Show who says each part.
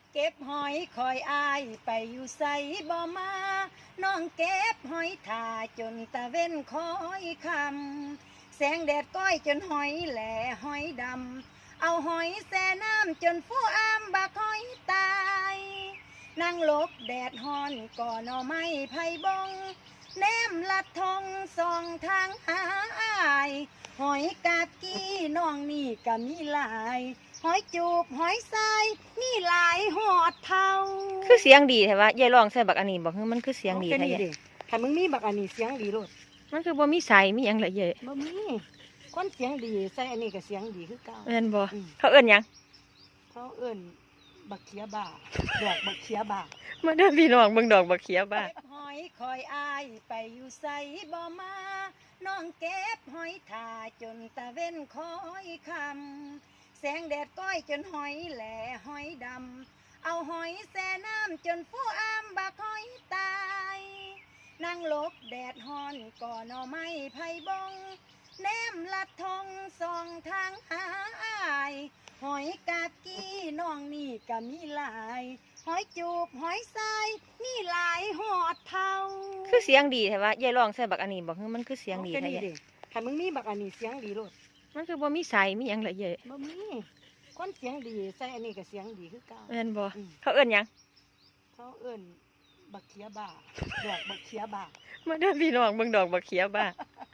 Speaker 1: เก็บหอยคอยอายไปอยู่ใสบ่มาน้องเก็บหอยถ่าจนตะเว้นคอยคำแสงแดดก้อยจนหอยแหล่หอยดำเอาหอยแส่น้ำจนผู้อามบักหอยตายนั่งหลบแดดฮอนก่อหน่อไม้ไผ่บงแนมลัดทองส่องทางหาอายหอยกากี้น้องนี่ก็มีหลายหอยจูบหอยทรายมีหลายหอดเท่า
Speaker 2: คือเสียงดีแท้ว่ายายร้องใส่บักอันนี้บอกคือมันคือเสียงดีแท้ยาย
Speaker 1: ถ้ามึงมีบักอันนี้เสียงดีโลด
Speaker 2: มันคือบ่มีใสมีหยังละยาย
Speaker 1: บ่มีคนเสียงดีใส่อันนี้ก็เสียงดีคือเก่า
Speaker 2: แม่นบ่
Speaker 1: อืม
Speaker 2: เขาเอิ้นหยัง
Speaker 1: เขาเอิ้นบักเขียบ่าดอกบักเขียบ่า
Speaker 2: มาเด้อพี่น้องเบิ่งดอกบักเขียบ้า
Speaker 1: เก็บหอยคอยอายไปอยู่ใสบ่มาน้องเก็บหอยถ่าจนตะเว้นคอยคำแสงแดดก้อยจนหอยแหล่หอยดำเอาหอยแส่น้ำจนผู้อามบักหอยตายนั่งหลบแดดฮอนก่อหน่อไม้ไผ่บงแนมลัดทองส่องทางหาอายหอยกากี้น้องนี่ก็มีหลายหอยจูบหอยทรายมีหลายหอดเท่า
Speaker 2: คือเสียงดีแท้ว่ายายร้องใส่บักอันนี้บอกคือมันคือเสียงดี
Speaker 1: ก็
Speaker 2: แท้
Speaker 1: นี่
Speaker 2: ยาย
Speaker 1: เด้ถ้ามึงมีบักอันนี้เสียงดีโลด
Speaker 2: มันคือบ่มีใสมีหยังละยาย
Speaker 1: บ่มีคนเสียงดีใส่อันนี้ก็เสียงดีคือเก่า
Speaker 2: แม่นบ่
Speaker 1: อืม
Speaker 2: เขาเอิ้นหยัง
Speaker 1: เขาเอิ้นบักเขียบ่าดอกบักเขียบ่า
Speaker 2: มาเด้อพี่น้องเบิ่งดอกบักเขียบ้า